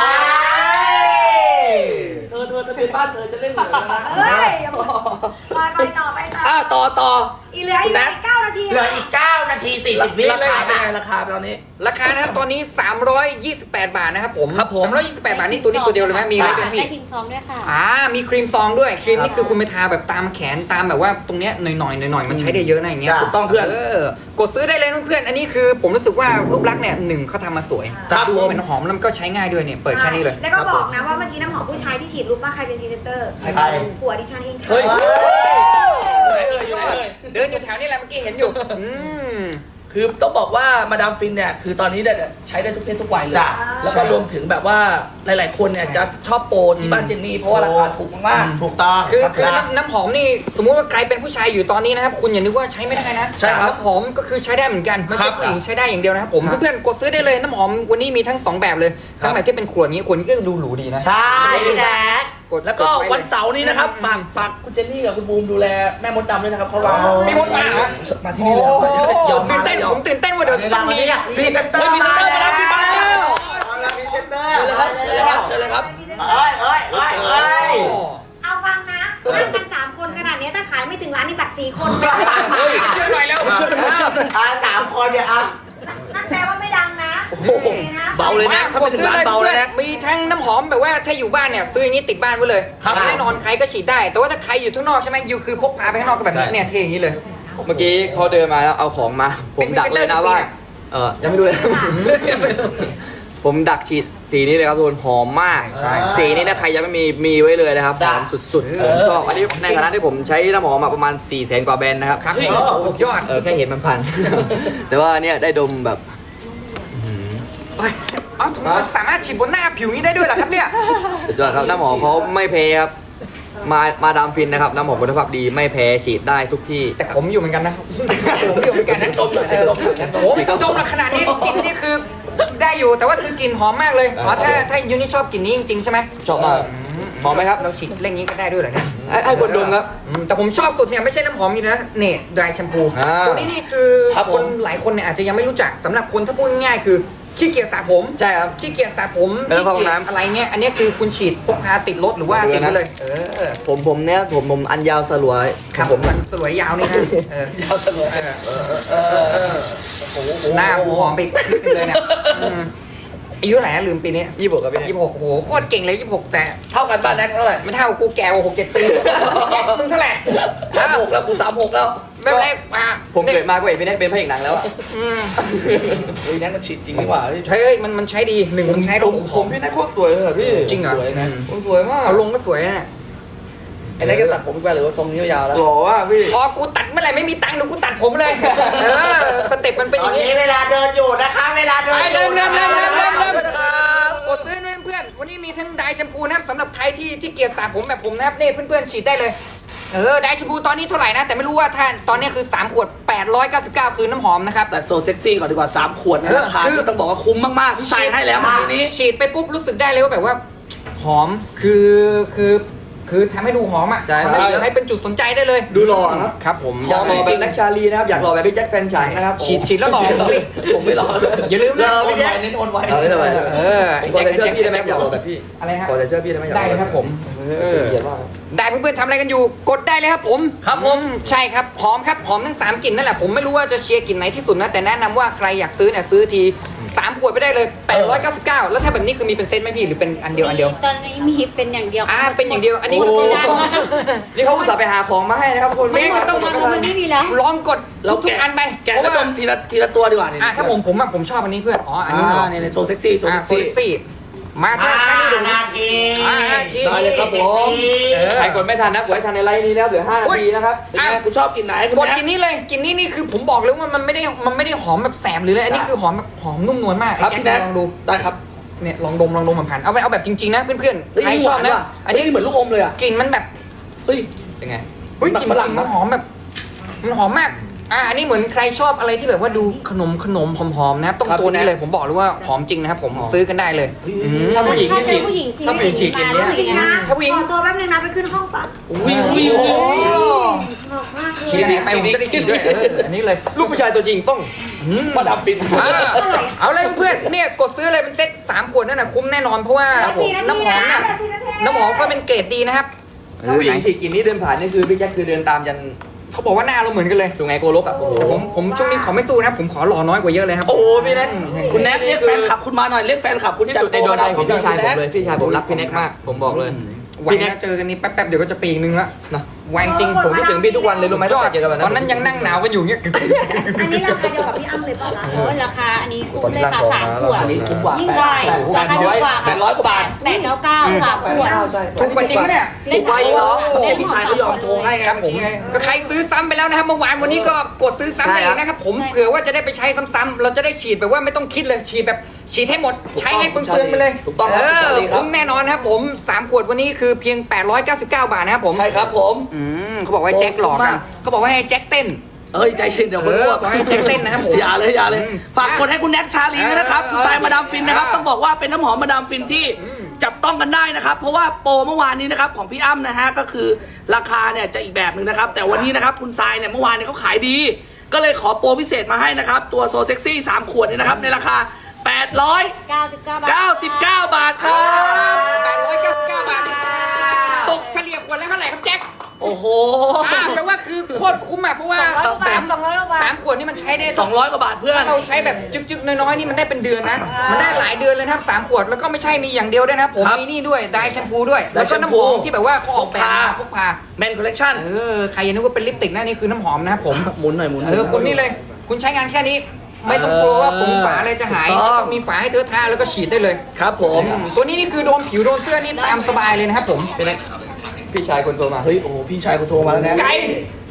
[SPEAKER 4] เธอทะเบียนบ้านเธอจะเล่นเหมือนกันนะ
[SPEAKER 2] เฮ้ยไปต่อ
[SPEAKER 4] ต่อ
[SPEAKER 2] อีเหลืออีก9 นาที
[SPEAKER 1] เหลืออีก9 นาที 40 วิ
[SPEAKER 4] รา
[SPEAKER 1] เลย
[SPEAKER 4] คาเป็น
[SPEAKER 1] ค่ะ
[SPEAKER 4] ไงราคาตอนนี้
[SPEAKER 3] ราคานะครับตอนนี้328 บาทนะครับผม
[SPEAKER 4] ครับผม
[SPEAKER 3] 328 บาทนี่ตัวนี้ตัวเดียวเลยไหมมีไหม
[SPEAKER 5] ได้
[SPEAKER 3] เดี๋ยวพี่
[SPEAKER 5] ครีมซองด้วยค่ะ
[SPEAKER 3] มีครีมซองด้วยครีมนี่คือคุณไปทาแบบตามแขนตามแบบว่าตรงเนี้ยหน่อยมันใช้ได้เยอะนะอย่างเงี้ย
[SPEAKER 1] จ้ะ
[SPEAKER 4] ถูกต้องเพื่อน
[SPEAKER 3] กดซื้อได้เลยเพื่อนอันนี้คือผมรู้สึกว่ารูปลักษณ์เนี่ยหนึ่งเขาทำมาสวย
[SPEAKER 4] ครับ
[SPEAKER 3] ดู
[SPEAKER 4] ผม
[SPEAKER 3] เป็นหอมแล้วมันก็ใช้ง่ายด้วยเนี่ยเปิดแค่นี้เลย
[SPEAKER 2] แล้วก็บอกนะว่าเมื่อกี้น้ำหอมผู้ชายที่ฉีดรู้ป่ะใครเป็นพรีเซนเตอร์
[SPEAKER 1] ใคร
[SPEAKER 2] ผัวดิฉันเองค่ะ
[SPEAKER 4] เฮ้ย อยู่ไหนเอ่ย
[SPEAKER 3] เดินอยู่แถวนี้แหละเมื่อกี้เห็นอยู่
[SPEAKER 4] คือต้องบอกว่ามาดามฟินเนี่ยคือตอนนี้เนี่ยใช้ได้ทุกเพศทุกวัยเลย
[SPEAKER 1] จ้ะ
[SPEAKER 4] แล้วก็รวมถึงแบบว่าหลายๆคนเนี่ยจะชอบโปรที่บ้านเจนนี่เพราะว่าราคาถูกมาก
[SPEAKER 1] ถูกต้อง
[SPEAKER 3] คือน้ำหอมนี่สมมุติว่าใครเป็นผู้ชายอยู่ตอนนี้นะครับคุณอย่านึกว่าใช้ไม่ได้นะ
[SPEAKER 4] ใช่ครับ
[SPEAKER 3] น้ำหอมก็คือใช้ได้เหมือนกันไม่
[SPEAKER 4] ครั
[SPEAKER 3] ใช่
[SPEAKER 4] บ
[SPEAKER 3] ผู้หญิงใช้ได้อย่างเดียวนะครับผม
[SPEAKER 4] ครับ
[SPEAKER 3] เพื่อนๆกดซื้อได้เลยน้ำหอมวันนี้มีทั้ง2แบบเลยทั้งแบบที่เป็นขวดนี้ขวดนี้ก็ดูหรูดีนะ
[SPEAKER 1] ใช่พี่แน็ก
[SPEAKER 3] กด
[SPEAKER 4] แล้วก็
[SPEAKER 3] ดไเลย
[SPEAKER 4] วันเสาร์นี้นะครับฝากคุณเจนนี่กับคุณบูมดูแลแม่มดดำด้วยนะครับเขาว่า
[SPEAKER 3] ไม่มดมาเหรอ
[SPEAKER 4] มาที่นี่เลย
[SPEAKER 3] ยอมตื่นเต้นผมตื่นเต้นว่าเดี๋ยวจะต้องมี
[SPEAKER 1] พรีเซนเตอ
[SPEAKER 4] เฮ้ย
[SPEAKER 1] ร์
[SPEAKER 4] มีเซนเตอร์มาแล้วที่บ้าน
[SPEAKER 1] เอาละพรีเซนเตอร์
[SPEAKER 4] เชิญเลยครับเชิญเลยครับเชิญเลยครับ
[SPEAKER 1] เอ้ย
[SPEAKER 2] เอาฟังนะนั่งกัน3 คนขนาดนี้ถ้าขายไม่ถึงร้านนี่บัตร4 คน
[SPEAKER 3] เฮ้ยช่วยหน่อยแล้ว
[SPEAKER 4] ช่วยหน่อยช่วยหน่อย
[SPEAKER 1] 3 คนเนี่ย
[SPEAKER 2] นั่นแปลว่าไม่ดังนะ
[SPEAKER 4] โอ้โหเบาเลยนะถ้าไปถึงร้านเบาเลยนะ
[SPEAKER 3] มีทั้งน้ำหอมแบบว่าถ้าอยู่บ้านเนี่ยซื้ออย่างนี้ติดบ้านไว้เลย
[SPEAKER 4] ครับ
[SPEAKER 3] แน่นอนใครก็ฉีดได้ แต่ว่าถ้าใครอยู่ข้างนอกใช่ไหมอยู่คือพกพาไปข้างนอกก็แบบนี้เนี่ยเท่อย่างนี้เลย
[SPEAKER 7] เมื่อกี้เขาเดินมาแล้วเอาของมา ผมดักเลยนะว่า ยังไม่รู้เลย ผมดักฉีดสีนี้เลยครับทุกคนหอมมาก
[SPEAKER 1] ใช่
[SPEAKER 7] สีนี้นะใครยังไม่มีไว้เลยนะครับหอมสุดๆผมชอบอันนี้ในฐานะที่ผมใช้น้ำหอมมาประมาณ 400,000 กว่าแบรนด์นะครับ
[SPEAKER 3] ครับสุดยอด
[SPEAKER 7] แค่เห็นมันพัน แต่ว่าเนี่ยได้ดมแบบ
[SPEAKER 3] เอาถุงมือสามารถฉีดบนหน้าผิวนี้ได้ด้วยเหรอครับเนี่ย
[SPEAKER 7] สุดยอดครับน้ำหอมเขาไม่แพ้ครับมาดามฟินนะครับน้ำหอมคุณภาพดีไม่แพ้ฉีดได้ทุกที่
[SPEAKER 3] แต่ผมอยู่เหมือนกันนะผมอยู่เหมือนกันนะ
[SPEAKER 4] ดมหน่อยดมหน่อยดมหน่อย
[SPEAKER 3] โอ้ไม่ต้องดมหรอกขนาดนี้กลิ่นนี่คือได้อยู่แต่ว่าคือกลิ่นหอมมากเลยอ๋อถ้ายูนี่ชอบกลิ่นนี้จริงๆใช่ไหม
[SPEAKER 7] ชอบมากหอมไหมครับ
[SPEAKER 3] เราฉีดเร่งนี้ก็ได้ด้วยเหรอเนี่ย
[SPEAKER 7] ให้คนดมครับ
[SPEAKER 3] แต่ผมชอบสุดเนี่ยไม่ใช่น้ำหอมนี่นะเนี่ยดรายแชมพู
[SPEAKER 7] อ่า
[SPEAKER 3] ตัวนี้นี่คือ
[SPEAKER 4] ครับ
[SPEAKER 3] ค
[SPEAKER 4] ผม
[SPEAKER 3] นหลายคนเนี่ยอาจจะยังไม่รู้จักสำหรับคนถ้าพูดง่ายๆคือขี้เกียจสระผม
[SPEAKER 7] ใช่ครับ
[SPEAKER 3] ขี้เกียจสระผม
[SPEAKER 7] ไม่ต้องเข้าห้องน้ำ
[SPEAKER 3] อะไรเงี้ยอันนี้คือคุณฉีดพกพาติดรถหรือว่าติดไว้เลย
[SPEAKER 7] ผมเนี่ยผมอันยาวสลวย
[SPEAKER 3] ครับผมมันสวยยาวนี่นะยาวสวยหน้าหูหอมไปอีกนิดนึงเลยเนี่ยอายุเท่าไหร่นะลืมปีนี้
[SPEAKER 7] 26ครับพี่
[SPEAKER 3] 26โอ้โหโคตรเก่งเลย26แต่
[SPEAKER 4] เท่ากันบ้านแน็กเท่าไหร่
[SPEAKER 3] ไม่เท่ากูแก่กว่า6-7 ปีมึงเท่าไหร่
[SPEAKER 4] 36แล้วกู36แล้ว
[SPEAKER 3] ไม่เป็นไรอ่ะ
[SPEAKER 7] ผมเกิดมาก็เห็นพี่แน็กเป็นพระเอกหนังแล้วอ่ะ
[SPEAKER 3] อืม
[SPEAKER 4] เฮ้ยแน็กมันฉีดจริงดีกว่า
[SPEAKER 3] ใช้เอ้ยมันใช้ดีหนึ่งมันใช้ลง
[SPEAKER 7] ผมพี่แน็กโคตรสวยเลยอะพี่
[SPEAKER 3] จริงเหรอ
[SPEAKER 4] สวยนะ
[SPEAKER 7] ผมสวยมาก
[SPEAKER 3] เอาลงก็สวยนะ
[SPEAKER 4] ไอ้แน็กก็ตัดผมไปหรือว่าทรงนี้ยาวๆแล้ว
[SPEAKER 7] หล่อว่ะพี่
[SPEAKER 3] พอกูตัดเมื่อไหร่ไม่มีตังค์เดี๋ยวกูตัดผมเลยสเต็ปมันเป็น
[SPEAKER 1] ต
[SPEAKER 3] อ
[SPEAKER 1] อน
[SPEAKER 3] ย่างนี้
[SPEAKER 1] นี้เวลาเดินอยู่นะคะ เวลาเดิน
[SPEAKER 3] ไป
[SPEAKER 1] อ
[SPEAKER 3] เริ่
[SPEAKER 1] ยู่
[SPEAKER 3] มกดซื้อเพื่อนวันนี้มีทั้งไดร์แชมพูนะครับสำหรับใครที่เกลียดสระผมแบบผมนะครับนี่เพื่อนๆฉีดได้เลยไดร์แชมพูตอนนี้เท่าไหร่นะแต่ไม่รู้ว่าท่านตอนนี้คือ3ขวด899คือน้ำหอมนะครับ
[SPEAKER 4] แต่โซเซ็กซี่ก่อนดีกว่า3ขวดนะราคา
[SPEAKER 3] คือ
[SPEAKER 4] ที่ต้องบอกว่าคุ้มมากๆพี่ชายให้แล้วเมื่อกี้นี้
[SPEAKER 3] ฉีดไปปุ๊บรู้สึกได้เลยว่าแบบว่าหอมคือทำให้ดูหอมอ่ะ
[SPEAKER 7] ใช่
[SPEAKER 3] ให้เป็นจุดสนใจได้เลย
[SPEAKER 7] ดูหล่อครับ
[SPEAKER 3] ครับผม
[SPEAKER 7] อยากหล่อแบบแน็กชาลีนะครับอยากหล่อแบบพี่แจ็คแฟนฉันนะครับ
[SPEAKER 3] ฉีดแล้วหล่อสิ
[SPEAKER 4] ผมไม่รอ
[SPEAKER 3] อย่าลืมนะ
[SPEAKER 4] โอนไวเน้นโอนไว
[SPEAKER 7] เอาไม่เป็นไร
[SPEAKER 3] ไอ้
[SPEAKER 7] ขอ
[SPEAKER 3] แจ็ค
[SPEAKER 7] ใส่เสื้อพี่ได้ไหม
[SPEAKER 3] แจ็ค
[SPEAKER 7] อยากหล่อแบบพี่
[SPEAKER 3] อะไรฮะ
[SPEAKER 7] ขอใส่เสื้อพี่ได้ไหมอยากห
[SPEAKER 3] ได้
[SPEAKER 7] ล่อ
[SPEAKER 3] เลยครับผม
[SPEAKER 7] เขียนว่า
[SPEAKER 3] ได้เพื่อนๆทำอะไรกันอยู่กดได้เลยครับผม
[SPEAKER 4] ครับผม
[SPEAKER 3] ใช่ครับหอมครับหอมทั้ง3กลิ่นนั่นแหละผมไม่รู้ว่าจะเชียร์กลิ่นไหนที่สุดนะแต่แนะนำว่าใครอยากซื้อเนี่ยซื้อที3ขวดไปได้เลย899แล้วถ้าแบบนี้คือมีเป็นเซตไหมพี่หรือเป็นอันเดียว
[SPEAKER 5] ตอนนี้มีเป็นอย่างเดียว
[SPEAKER 3] เป็นอย่างเดียวอันนี้ก็ต้อง
[SPEAKER 7] นี่เขาอุตส่าห์ไปหาของมาให้นะครับทุกคน
[SPEAKER 3] ไม่ก็ต้อง
[SPEAKER 5] มันไม่มีแล้ว
[SPEAKER 3] ลองกดทุกอันไป
[SPEAKER 4] แกะ
[SPEAKER 3] เพ
[SPEAKER 4] แล้ว
[SPEAKER 3] ราะ
[SPEAKER 4] ด
[SPEAKER 3] ว่าม
[SPEAKER 4] ทีละตัวดีกว่านี่
[SPEAKER 3] ถ้าผมชอบอันนี้เพื่อนอันนี้เหรอ
[SPEAKER 4] เนี่ยโซเซ็กซี่โซ
[SPEAKER 3] โซ
[SPEAKER 4] เซ็ก
[SPEAKER 3] ลิ
[SPEAKER 4] ซี่
[SPEAKER 3] ซี่มาถ้านี่ดู
[SPEAKER 1] นาที
[SPEAKER 3] 5 ที
[SPEAKER 4] ได้เลยครับผม
[SPEAKER 7] ใครกดไม่ทันนะกดให้ทันในไลน์นี้แล้วเหลือ5นาทีนะครับ
[SPEAKER 4] เป็นไงกูชอบกินไหนคุณ
[SPEAKER 3] กด
[SPEAKER 4] แม่
[SPEAKER 3] กินนี้เลยกินนี่คือผมบอกเลยว่ามันไม่ได้หอมแบบแสบหรืออะไรอันนี้คือหอมแบบหอมนุ่มนวลมาก
[SPEAKER 4] ครับ
[SPEAKER 3] ไอ้
[SPEAKER 4] พี่
[SPEAKER 3] แจ็
[SPEAKER 4] แน็
[SPEAKER 3] ค
[SPEAKER 4] ก
[SPEAKER 3] ลองดู
[SPEAKER 4] ได้ครับ
[SPEAKER 3] เนี่ยลองดมมันผ่านเอาแบบจริงๆนะเพื่อนๆใครชอบนะ
[SPEAKER 4] อันนี้เหมือนลูกอมเลยอ่ะ
[SPEAKER 3] กลิ่นมันแบบ
[SPEAKER 4] เฮ้ย
[SPEAKER 7] เป็นไง
[SPEAKER 3] เฮ้ยกลิ่น
[SPEAKER 4] ฝรั่ง
[SPEAKER 3] มันหอมแบบมันหอมมากอันนี้เหมือนใครชอบอะไรที่แบบว่าดูขนมหอมๆนะครับต้องตัวนี้เลยผมบอกเลยว่าหอมจริงนะครับผมซื้อกันได้เลยม
[SPEAKER 7] ถ้าผู้หญิง
[SPEAKER 5] ถ้า
[SPEAKER 7] ฉี
[SPEAKER 5] เป็น
[SPEAKER 7] ด
[SPEAKER 5] ผู้หญิง
[SPEAKER 7] ถ้าผู้หญิงฉีดกลิ่นเนี้ย
[SPEAKER 2] จริงนะ
[SPEAKER 3] ถ้าผู้หญิง
[SPEAKER 2] ขอตัวแป๊บนึงนะไปขึ้นห้องปะ
[SPEAKER 4] อุ้ยอุ้ย
[SPEAKER 3] โอ้
[SPEAKER 4] อุ้ย
[SPEAKER 2] บอกมากเล
[SPEAKER 3] ฉีด
[SPEAKER 2] ย
[SPEAKER 3] ไหนไปผมจะได้ฉีดด้วยอันนี้เลย
[SPEAKER 7] ลูกผู้ชายตัวจริงต้อง
[SPEAKER 4] มาดับฟิน
[SPEAKER 3] เอาเลยเพื่อนเนี่ยกดซื้อเลยเป็นเซ็ต3ขวดนั่นน่ะคุ้มแน่นอนเพราะว่า
[SPEAKER 2] 4 นา
[SPEAKER 3] น้ำ
[SPEAKER 2] ที
[SPEAKER 3] หอม
[SPEAKER 2] นะ
[SPEAKER 3] น่ะ
[SPEAKER 2] 4 นาที
[SPEAKER 3] น้ำหอมก็เป็นเกรดดีนะครับ
[SPEAKER 7] ถ้าผู้หญิงฉีดกลิ่นนี้เดินผ่านนี่คือพี่แจ็คคือเดินตามยัน
[SPEAKER 3] เขาบอกว่าหน้าเราเหมือนกันเลย
[SPEAKER 7] สุไหงโกลกอ่ะโอ้โห
[SPEAKER 3] ผมช่วงนี้ขอไม่สู้นะครับผมขอหล่อน้อยกว่าเยอะเลยครับ
[SPEAKER 7] โอ้โหพี่แน็ก
[SPEAKER 4] คุณแน็กเรียกแฟนคลับคุณมาหน่อยเรียกแฟนคลับคุณ
[SPEAKER 7] ที่สุดในดวงใจของพี่ชายผมเลยพี่ชายผมรักพี่แน็กมากผมบอกเลย
[SPEAKER 3] ไว้นะเจอกันนี้แป๊บๆเดี๋ยวก็จะปีนึงละ
[SPEAKER 7] นะ
[SPEAKER 3] ไวจริง
[SPEAKER 7] ผมคิดถึงพี่ทุกวันเลยรู้ไหมตั้งแต่เจอกันวัน
[SPEAKER 3] ตอนนั้นยังนั่งหนาวกันอยู่เงี้ย
[SPEAKER 2] อันนี้ราคาเดียวกับพี่อ้ำเลยป่ะคะ
[SPEAKER 5] โอ้ราคาอันนี้คุ้มเลยค่ะ3ขวด
[SPEAKER 4] อันนี้คุ้มกว่า
[SPEAKER 5] ยิ่งได้ราคาถูกกว่า
[SPEAKER 4] 800กว่าบาท
[SPEAKER 5] 899 3ขวด
[SPEAKER 4] ใช่
[SPEAKER 3] ถูกกว่าจริงปะเนี่ย
[SPEAKER 5] เล่นไปเหรอ
[SPEAKER 4] พี่ชายเขายอมโทรให้ไง
[SPEAKER 3] ครับผมก็ใครซื้อซ้ำไปแล้วนะครับเมื่อวานวันนี้ก็กดซื้อซ้ำได้อีกนะครับผมเผื่อว่าจะได้ไปใช้ซ้ำๆเราจะได้ฉีดแบบว่าไม่ต้องคิดเลยฉีดแบบฉีดให้หมดใช้ให้เปลืองๆไปเลย
[SPEAKER 4] ถูกต้องครับพี่ชาลีครับ
[SPEAKER 3] คุ้มแน่นอนครับผม3ขวดวันนี้คือเพียง899 บาทนะครับผม
[SPEAKER 4] ใช่ครับผม
[SPEAKER 3] เขาบอกว่าให้แจ็คหลอกกันเขาบอกว่าให้แจ็คเต้น
[SPEAKER 4] เอ้ยใจเย็นเดี๋ยวคนอ้วก
[SPEAKER 3] บอกให้แจ็คเต้นนะครับผม
[SPEAKER 4] อย่าเลยอย่าเลย ฝากกดให้คุณแน็กชาลีด้วยนะครับ
[SPEAKER 3] เออ
[SPEAKER 4] คุณทรายมาดามฟินนะครับ ต้องบอกว่าเป็นน้ำหอมมาดามฟินที่จับต้องกันได้นะครับ เพราะว่าโปรเมื่อวานนี้นะครับของพี่อ้ำนะฮะก็คือราคาเนี่ยจะอีกแบบหนึ่งนะครับ แต่วันนี้นะครับคุณทรายเนี่ยเมื่อวานเนี่ยเขาขายดี ก็เลยขอโปรพิเศษมาให้นะครับ ตัวโซเซ็กซี่3ขวดเนี่ยนะครับในราคา
[SPEAKER 5] 99 บาท
[SPEAKER 4] 899 บาทครับ
[SPEAKER 3] 899 บาทตกเฉลี่ยขวดละเท่าไหร่ครับแจ็ค
[SPEAKER 4] โอ้โห
[SPEAKER 3] แปลว่าคือโคตรคุ้มอ่ะเพราะว่า
[SPEAKER 2] 200
[SPEAKER 3] สามขวดนี่มันใช้ได้
[SPEAKER 4] 200 กว่าบาทเพื่อน
[SPEAKER 3] ถ้าเราใช้แบบจึกๆน้อยๆนี่มันได้เป็นเดือนนะ มันได้หลายเดือนเลยนะครับ3ขวดแล้วก็ไม่ใช่มีอย่างเดียวด้วยนะครับผม
[SPEAKER 4] ครับ
[SPEAKER 3] มีนี่ด้วยไดร์แชมพูด้วย
[SPEAKER 4] ได
[SPEAKER 3] แล้ว
[SPEAKER 4] ร์แช
[SPEAKER 3] ก็
[SPEAKER 4] ม
[SPEAKER 3] น้ำ
[SPEAKER 4] พู
[SPEAKER 3] หอมที่แบบว่าเขาออกแบบมาพกพา
[SPEAKER 4] แมนคอลเลคชั่น
[SPEAKER 3] ใครยังนึกว่าเป็นลิปสติกนะนี่คือน้ำหอมนะครับผม
[SPEAKER 4] หมุนหน่อยหมุนหน่อย
[SPEAKER 3] คนนี้เลย คุณใช้งานแค่นี้ ไม่ต้องกลัวว่าผมฝาอะไรจะหาย
[SPEAKER 4] ถูกต้อง
[SPEAKER 3] ต้องมีฝาให้เธอทาแล้วก็ฉีดได้เลย
[SPEAKER 4] ครับผม
[SPEAKER 3] ตัวนี้นี่คือโดนผิวโดนเสื้อนี่ตามสบายเลยนะครับผม
[SPEAKER 7] พี่แน็กพี่ชายคนโทรมา
[SPEAKER 4] เฮ้ยโอ้โหพี่ชายกูโทรมาแล้วนะ
[SPEAKER 3] ไก่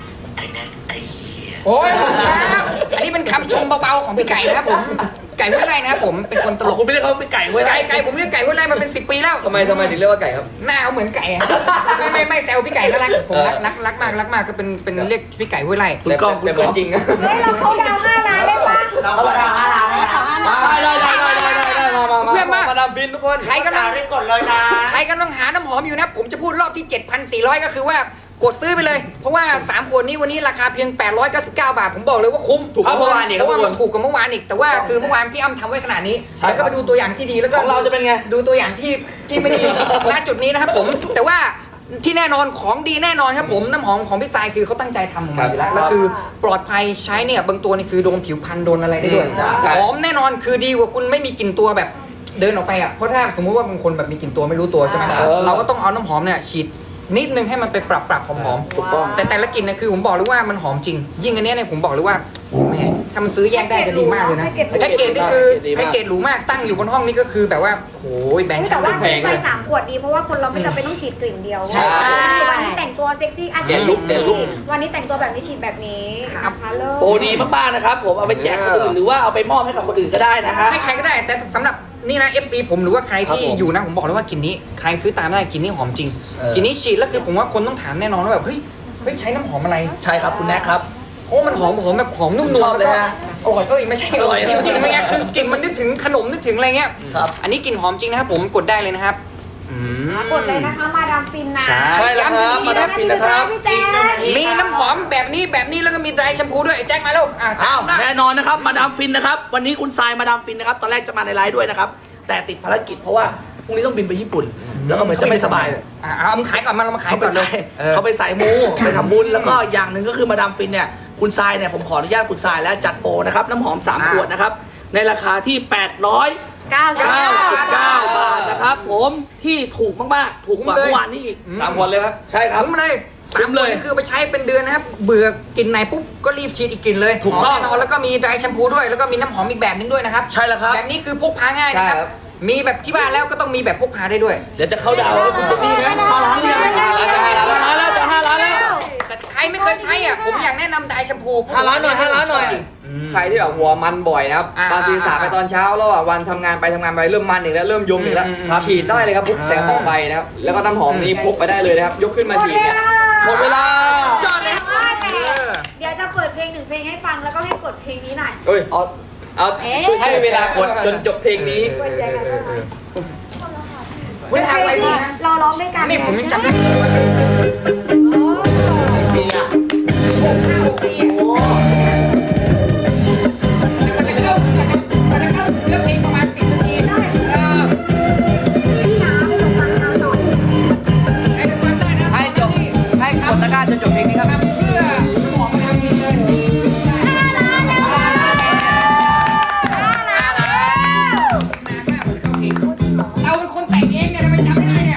[SPEAKER 3] โอ้ยขอบคุณครับอันนี้เป็นคำชมเบาๆของพี่ไก่นะครับผม ไก่ห้วยไร่นะครับผม เป็นคนตลก
[SPEAKER 4] คุณไม่เรียกเขาเป็นไก่เว้ย
[SPEAKER 3] ไก่ผมเรียกไก่ห้วยไร่มาเป็น10 ปีแล้ว
[SPEAKER 7] ทำไมถึงเรียกว่าไก่ครับ
[SPEAKER 3] หน้าเขาเหมือนไก่อะไม่แซวพี่ไก่น่ารักผมรักมากก็เป็นเรียกพี่ไก่ห้วยไร่
[SPEAKER 4] คุณกล้องคุณ
[SPEAKER 7] แต่
[SPEAKER 4] กล้อง
[SPEAKER 7] จริงนะ
[SPEAKER 2] เฮ้ยเราเขาดาว5 ล้านได้ปะ
[SPEAKER 1] เราก็ดาว5 ล้านแล้วนะ
[SPEAKER 4] ได้มา
[SPEAKER 3] เพื่อนมา
[SPEAKER 7] มาดามฟินทุกคน
[SPEAKER 3] ใครกำลัง
[SPEAKER 1] ได้กดเลยนะ
[SPEAKER 3] ใครกำลังหาน้ำหอมอยู่นะผมจะพูดรอบที่ 7,400 ก็คือว่ากดซื้อไปเลย เพราะว่า3ขวดนี้วันนี้ราคาเพียง899 บาทผมบอกเลยว่าคุ้ม
[SPEAKER 7] ถูกกว่าเมื่อวานอีก
[SPEAKER 3] เพราะว่า
[SPEAKER 7] ครับ
[SPEAKER 3] มันถูกกว่าเมื่อวานอีกแต่ว่าคือเมื่อวานพี่อ้ำทำไว้ขนาดนี้
[SPEAKER 4] ใช่
[SPEAKER 3] แล้วก็ไปดูตัวอย่างที่ดีแล้วก็
[SPEAKER 4] ของเราจะเป็นไง
[SPEAKER 3] ดูตัวอย่างที่ไม่ดี ณจุดนี้นะครับผมแต่ว่าที่แน่นอนของดีแน่นอนครับผมน้ำหอมของพี่ทรายคือเขาตั้งใจทำออกมาอยู่แล้วแล้วคือปลอดภัยใช้เนี่ยบางตัวนี่คือโดนผิวพรรณโดนอะไรได้ด้วยหอมแน่นอนคือดีกว่าคุณไม่มีกลิ่นตัวแบบเดินออกไปอ่ะเพราะถ้าสมมุติว่าบางคนแบบมีกลิ่นตัวไม่รู้ตัวใช่ไหมเราก็ต้องเอาน้ำหอมเนี่ยฉีดนิดนึงให้มันไปปรับหอมๆ
[SPEAKER 2] ถูกต้อง
[SPEAKER 3] แต่ละกลิ่นเนี่ยคือผมบอกเลยว่ามันหอมจริง ยิ่งอันเนี้ยเนี่ยผมบอกเลยว่าแม่ถ้ามันซื้อแยกได้จะดีมากเลยนะแพ็กเกจนี่คือแพ็กเกจหรูมากตั้งอยู่บนห้องนี่ก็คือแบบว่าโอ้ยแบงค์
[SPEAKER 2] แต่
[SPEAKER 3] ชั้น
[SPEAKER 2] ว่า
[SPEAKER 3] แพง
[SPEAKER 2] ไป
[SPEAKER 3] เลย
[SPEAKER 2] 3 ขวดดีเพราะว่าคนเราไม่จำเป็นต้องฉีดกลิ่นเดียว
[SPEAKER 3] ใช่
[SPEAKER 2] วันนี้แต่งตัวเซ็กซี่
[SPEAKER 7] เด่นลุคเด่นลุค
[SPEAKER 2] วันนี้แต่งตัวแบบนี้ฉีดแบบนี้นะคะเลิศ
[SPEAKER 4] โอ้ดีมากๆนะครับผมเอาไปแจกคนอื่นหรือว่าเอาไปมอบให้กับคนอื่นก็ได้นะฮะ
[SPEAKER 3] ให้ใครก็ได้แต่สำหรับนี่นะ FC ผมหรือว่าใครที่อยู่นะผมบอกเลยว่ากลิ่นนี้ใครซื้อตามได้กลิ่นนี้หอมจริงกลิ่นนี้ฉีดแล้วคือผมว่าคนต้องถามแน่นอนว่าแบบเฮ้ยใช้น้ำหอมอะไร
[SPEAKER 4] ใช่ครับคุณแน็กครับ
[SPEAKER 3] โอ้มันหอมแบบหอมนุ่มนวล
[SPEAKER 4] ชอบเลยฮะ
[SPEAKER 3] อร่อยไม่ใช่อร่อยจริงๆไม่งั้นคือกลิ่นมันนึกถึงขนมนึกถึงอะไรเงี้ย
[SPEAKER 4] ครับ
[SPEAKER 3] อันนี้กลิ่นหอมจริงนะครับผมกดได้เลยนะครับอืม
[SPEAKER 2] กดเลยนะคะมาดามฟินนะ
[SPEAKER 3] ใช่
[SPEAKER 4] แล้วครับมาดามฟินนะครับ
[SPEAKER 2] พี่แจ๊ค
[SPEAKER 3] มีน้ำหอมแบบนี้แล้วก็มีไดร์แชมพูด้วยไอ้แจ็คมาแล้วอ่ะ
[SPEAKER 4] อ้าวแน่นอนนะครับมาดามฟินนะครับวันนี้คุณทรายมาดามฟินนะครับตอนแรกจะมาในไลฟ์ด้วยนะครับแต่ติดภารกิจเพราะว่าพรุ่งนี้ต้องบินไปญี่ปุ่น แล้วก็เหมือนจะไม่สบาย
[SPEAKER 3] เอามึงขายก่อนมาเรามาขาย
[SPEAKER 4] เขา
[SPEAKER 3] ก่
[SPEAKER 4] ไป
[SPEAKER 3] อนเล
[SPEAKER 4] ใส่
[SPEAKER 3] ยเออ
[SPEAKER 4] เขาไปใส่มูไปทำบุญแล้วก็อย่างหนึ่งก็คือมาดามฟินเนี่ยคุณทรายเนี่ยผมขออนุญาตคุณทรายแล้วจัดโปรนะครับน้ำหอม3 ขวดนะครับในราคาที่899 บาทนะครับผมที่ถูกมากๆถูกกว่าเมื่อวานนี้อีก
[SPEAKER 7] 3 คนเลยครับ
[SPEAKER 4] ใช่ครับ
[SPEAKER 3] คุ้มเลย
[SPEAKER 4] คุ้มเลย
[SPEAKER 3] นี่คือไปใช้เป็นเดือนนะครับเบื่อกลิ่นไหนปุ๊บก็รีบฉีดอีกกลิ่นเลย
[SPEAKER 4] ถูกต้อง
[SPEAKER 3] แน่นอนแล้วก็มีไดร์แชมพูด้วยแล้วก็มีน้ำหอมอีกแบบนึงด้วยนะครับ
[SPEAKER 4] ใช่แล้วครับ
[SPEAKER 3] แบบนี้คือพกพาง่ายนะครับ
[SPEAKER 7] ใช่ครับ
[SPEAKER 3] มีแบบที่บ้านแล้วก็ต้องมีแบบพกพาได้ด้วย
[SPEAKER 4] เดี๋ยวจะเข้าดาวน์ให้คุณเจนนี่ไหม5 ล้านหรือยัง5 ล้านแล้วจะ5 ล้านแล้ว
[SPEAKER 3] แต่ใครไม่เคยใช้อ่ะผมอยากแนะนำไดร์แชมพู
[SPEAKER 4] 5 ล้านหน่อย5 ล้านหน่อย
[SPEAKER 3] จริงๆ
[SPEAKER 7] ใครที่แบบหัวมันบ่อยนะครับ
[SPEAKER 3] อ่า
[SPEAKER 7] ตอนตีสามไปตอนเช้าแล้วอ่ะวันทำงานไปเริ่มมันอีกแล้วเริ่มยมอีกแล้ว
[SPEAKER 4] ครับ
[SPEAKER 7] ฉีดได้เลยครับปุ๊บแสงทองใบนะครับแล้วก็น้ำหอมนี้พกไปได้เลยนะครับยกขึ้นมาฉีดเนี่ย
[SPEAKER 4] หมดเวลา
[SPEAKER 3] ยอดเลย
[SPEAKER 2] เดี๋ยวจะเปิดเพลง1 เพลงให้ฟังแล้วก็ให้กดเพลงนี้หน่อย
[SPEAKER 7] เอ้ย เอาช่วยให้เวลากดจนจบเพลงนี้
[SPEAKER 2] กดใจกันได้ไหม
[SPEAKER 3] คุณทำอะไรดีนะ
[SPEAKER 2] เราร้องด้วยกัน
[SPEAKER 3] นี่ผมยังจำได้
[SPEAKER 1] มีอ่ะ
[SPEAKER 3] ปีโอ้มันจะเข้าเรื่องเพลงประมาณ10 นาทีได้ให้ทุกคนได้นะ
[SPEAKER 7] ให้จบให้กดตะกร้าจนจบเพลงนี้ครับ
[SPEAKER 3] เพื่อหอมมาทำดีเลยใช่5 ล้านแล้วเราเป็นคนแต่งเองเนี่ยทำไมจำไม่ได้เนี่ย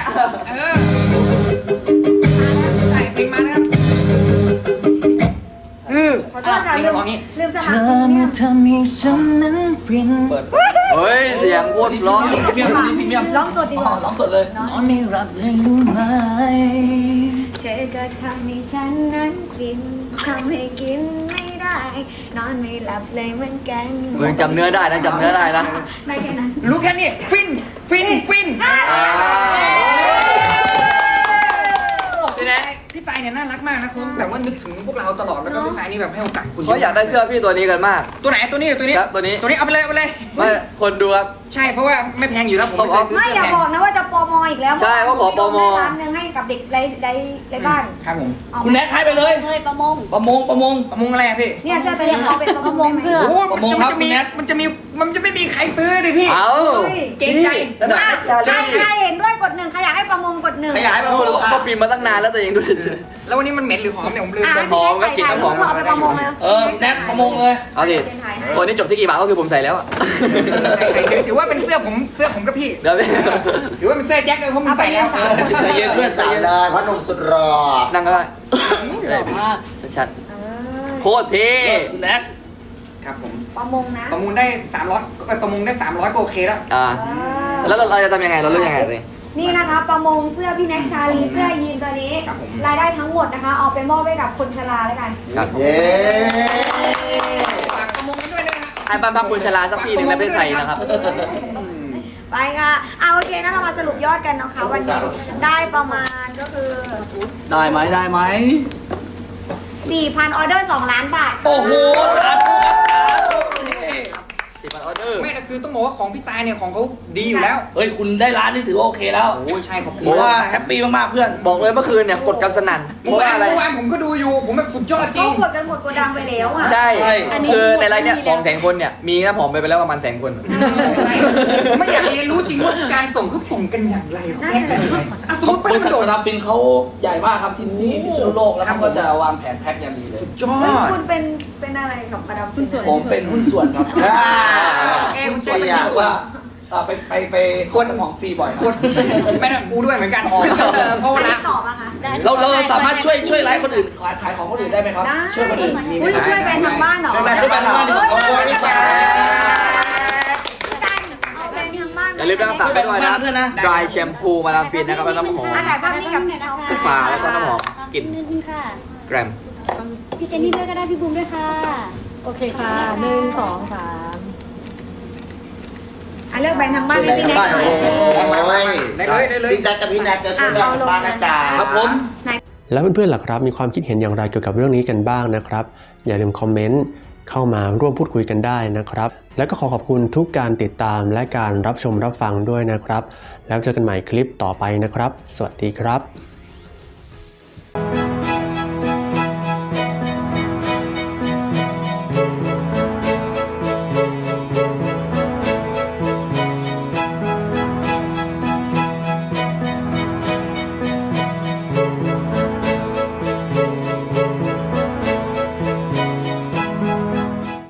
[SPEAKER 3] ใช่เพลงมานะครับ
[SPEAKER 2] ขอโทษค่ะลืมสมัคร
[SPEAKER 3] ทำให้ฉันนั้นฟิน
[SPEAKER 7] เฮ้ยเสียงโคตรร้อน
[SPEAKER 4] พรีเมียม
[SPEAKER 2] ร้องสดดีกว่า
[SPEAKER 4] ร้องสดเลย
[SPEAKER 3] นอนไม่หลับเลยรู้ไหม
[SPEAKER 2] เธอก็ทำให้ฉันนั้นฟินทำให้กินไม่ได้ นอนไม่หลับเลยเหมือนกัน
[SPEAKER 7] มึงจำเนื้อได้นะจำเนื้อได้นะ
[SPEAKER 2] ไม่แค่นั้น
[SPEAKER 3] รู้แค่นี้ฟินพี่แนะพี่สายเนี่ยน่ารักมากนะคุณแบบว่านึกถึงพวกเราตลอดแล้วก็พี่สายนี่แบบให้โอกาสคุณ
[SPEAKER 7] เขาอยากได้เสื้อพี่ตัวนี้กันมาก
[SPEAKER 3] ตัวไหนตัวนี้
[SPEAKER 7] ครับตัวนี้
[SPEAKER 3] เอาไปเลย
[SPEAKER 7] ไม่คนดูครับ
[SPEAKER 3] ใช่เพราะว่าไม่แพงอยู่แล้วผมไม่เคยซื้อ
[SPEAKER 2] ไม่
[SPEAKER 3] เสื้อ
[SPEAKER 2] อย่า
[SPEAKER 3] แพง
[SPEAKER 2] บอกนะว่าจะโปรโมอีกแล้ว
[SPEAKER 7] ใช่เขาขอโปรโม
[SPEAKER 2] ร้านหนึงให้กับเด็กไร้บ้าน
[SPEAKER 3] ครับผม
[SPEAKER 2] เอา
[SPEAKER 4] คุณแน็กให้ไปเลย
[SPEAKER 5] เงยประมง
[SPEAKER 4] ประมง
[SPEAKER 3] ประมงอะไรอะพี่
[SPEAKER 2] เนี่ยเสื้อตัวนี้เขาเป็นประมง
[SPEAKER 5] เสื้อ
[SPEAKER 3] โอ้
[SPEAKER 4] ประมงครับคุณแนท
[SPEAKER 3] มันจะไม่มีใครซื้อดิพี่
[SPEAKER 7] เอา
[SPEAKER 3] เกรงใจ
[SPEAKER 2] ใครเห็นด้วยกด 1ใครอยากให้ประมงกด 1
[SPEAKER 1] ขยายมา
[SPEAKER 7] โอ้
[SPEAKER 1] คนละ
[SPEAKER 7] เขาพิมพ์มาตั้งนานแล้วแต่ยังดู
[SPEAKER 3] แล้ววันนี้มันเหม็นหรือหอมเนี่ยผมลืมไป
[SPEAKER 7] หอมครับฉีดน้ำหอม
[SPEAKER 2] เอาไปประมงเลย
[SPEAKER 4] แน็กประมงเลย
[SPEAKER 7] เอาดิตัวนี้จบที่กี่บาทก็คือผมใส่แล้วอะ
[SPEAKER 3] ถือว่าเป็นเสื้อผมกับพี่
[SPEAKER 7] เดี๋ยวพี่
[SPEAKER 3] ถือว่าเป็นเสื้อแจ็คเลยเพราะมันใส่แล้ว
[SPEAKER 4] ใจเย็นเพื่อนใจ
[SPEAKER 1] สาม
[SPEAKER 4] เย็น
[SPEAKER 1] เลยพ่อหนุ่มสุดรอ
[SPEAKER 7] นั่งก็ได้
[SPEAKER 5] หล่อมาก
[SPEAKER 7] ชัดๆโคตรเท่
[SPEAKER 4] คุณแน็ก
[SPEAKER 3] ครับผม
[SPEAKER 2] ประมงนะ
[SPEAKER 3] ประมูลได้300ประมูลได้300ก็โอเคแล้ว
[SPEAKER 7] แล้วเราจะทำยังไงเราเลือกยังไงเลย
[SPEAKER 2] นี่นะคะประมงเสื้อพี่แน็กชาลีเสื้อยีนตัวนี้
[SPEAKER 3] ครับผม
[SPEAKER 2] รายได้ทั้งหมดนะคะเอาไปมอบให้กับคนชราแล้วกัน
[SPEAKER 7] ครับ
[SPEAKER 1] เย้
[SPEAKER 3] ฝากประมูลกันด้วยนะครับ
[SPEAKER 7] ให้บ้านพักคุณชลาสักทีหนึ่งในประเทศไทยนะครับ
[SPEAKER 2] ไปค่ะเอาโอเคนะเรามาสรุปยอดกันนะคะวันนี้ได้ประมาณก็คือ
[SPEAKER 4] ได้ไหม
[SPEAKER 2] 4,000 ออเดอร์ 2 ล้านบาท
[SPEAKER 4] โอ้โหสาธุครับสาธุ
[SPEAKER 7] 10,000 ออเดอร์
[SPEAKER 3] ไม่แต่คือต้องบอกว่าของพี่สายเนี่ยของเขาดีอยู่แล้ว
[SPEAKER 4] เฮ้ยคุณได้ร้านนี่ถือว่าโอเคแล้ว
[SPEAKER 3] โอ้ใช่ขอบคุ
[SPEAKER 4] ถื
[SPEAKER 3] ณ
[SPEAKER 4] อว่าแฮปปี้มากๆเพื่อน
[SPEAKER 7] บอกเลยเมื่อคืนเนี่ยกดกันสนั่นเพ
[SPEAKER 3] เมื่อ
[SPEAKER 7] ราะว่าอะไร
[SPEAKER 3] วานผมก็ดูอยู่ผมแบบสุดยอดจริ
[SPEAKER 2] เขา
[SPEAKER 3] ง
[SPEAKER 2] กดกันหมดโกดังไปแล้วอ่ะ
[SPEAKER 7] ใช่
[SPEAKER 4] ใช่
[SPEAKER 7] คือในไลน์เนี่ย200,000 คนเนี่ยมีน้ำหอมไปแล้วประมาณ100,000 คน
[SPEAKER 3] ไม่อยากเรียนรู้จริงว่าการส่งเขาส่งกันอย่างไรเขาแพ็คกันยังไงอ่ะสมมติ
[SPEAKER 4] บ
[SPEAKER 3] เป็น
[SPEAKER 4] ริษัท
[SPEAKER 3] โดด
[SPEAKER 4] มาดามฟินเขาใหญ่มากครับที่พิษณุโลกแล้วเขาก็จะวางแผนแพ็คอย่างดีเลย
[SPEAKER 3] สุดยอ
[SPEAKER 2] เฮ้ย
[SPEAKER 3] ด
[SPEAKER 2] คุณเป็นอะไรกับมาดามฟิน
[SPEAKER 4] ผมเป็นหุ้นส่วนครับ
[SPEAKER 1] คุณเสีย
[SPEAKER 4] รู้สึกว่าไปคนของฟรีบ่อยค
[SPEAKER 3] คน
[SPEAKER 4] รับ
[SPEAKER 3] ไม่ได้กูด้วยเหมือนกันเพราะเวลา
[SPEAKER 2] ตอบอะคะ
[SPEAKER 5] ได้
[SPEAKER 4] เราสามารถช่วยไลฟ์คนอื่นขายของคนอื่นได้ไหมครับ
[SPEAKER 2] ได้
[SPEAKER 4] ช่วยคนอื่นมีไหม
[SPEAKER 2] อุ้ยช่วยแบรนด์ทางบ้านเหรอ
[SPEAKER 1] ช่วยแบรนด์ทางบ้านเหรอโอ้ยพี่แจ๊ค
[SPEAKER 2] เอาแบรนด์ทางบ้าน
[SPEAKER 7] อย่าลืมรักษาไปด้วยนะ
[SPEAKER 4] ด้วยนะ
[SPEAKER 7] dry shampoo มาดามฟินนะครับแล้วน้ำหอม
[SPEAKER 2] ถ่ายภาพนี้กับ
[SPEAKER 7] ฟ้าแล้วก็น้ำหอมกลิ่น
[SPEAKER 5] นิดนึงค่ะ
[SPEAKER 7] แกรม
[SPEAKER 5] พี่เจนนี่ด้วยก็ได้พี่บูมด้วยค่ะ
[SPEAKER 2] โอเคค่ะ1 2 3เลือกแบรนด์ทางบ้านให้พี่แน็ก
[SPEAKER 1] บ้าน
[SPEAKER 2] หน่
[SPEAKER 1] โอ้
[SPEAKER 2] อย
[SPEAKER 1] ย
[SPEAKER 3] ได้เลย
[SPEAKER 1] พี่แจ๊คกับพี่แน็กจะช่วยแบรนด์ทางบ้านนะจ๊ะ
[SPEAKER 4] ครับผม
[SPEAKER 8] แล้วเพื่อนๆล่ะครับมีความคิดเห็นอย่างไรเกี่ยวกับเรื่องนี้กันบ้างนะครับอย่าลืมคอมเมนต์เข้ามาร่วมพูดคุยกันได้นะครับแล้วก็ขอบคุณทุกการติดตามและการรับชมรับฟังด้วยนะครับแล้วเจอกันใหม่คลิปต่อไปนะครับสวัสดีครับ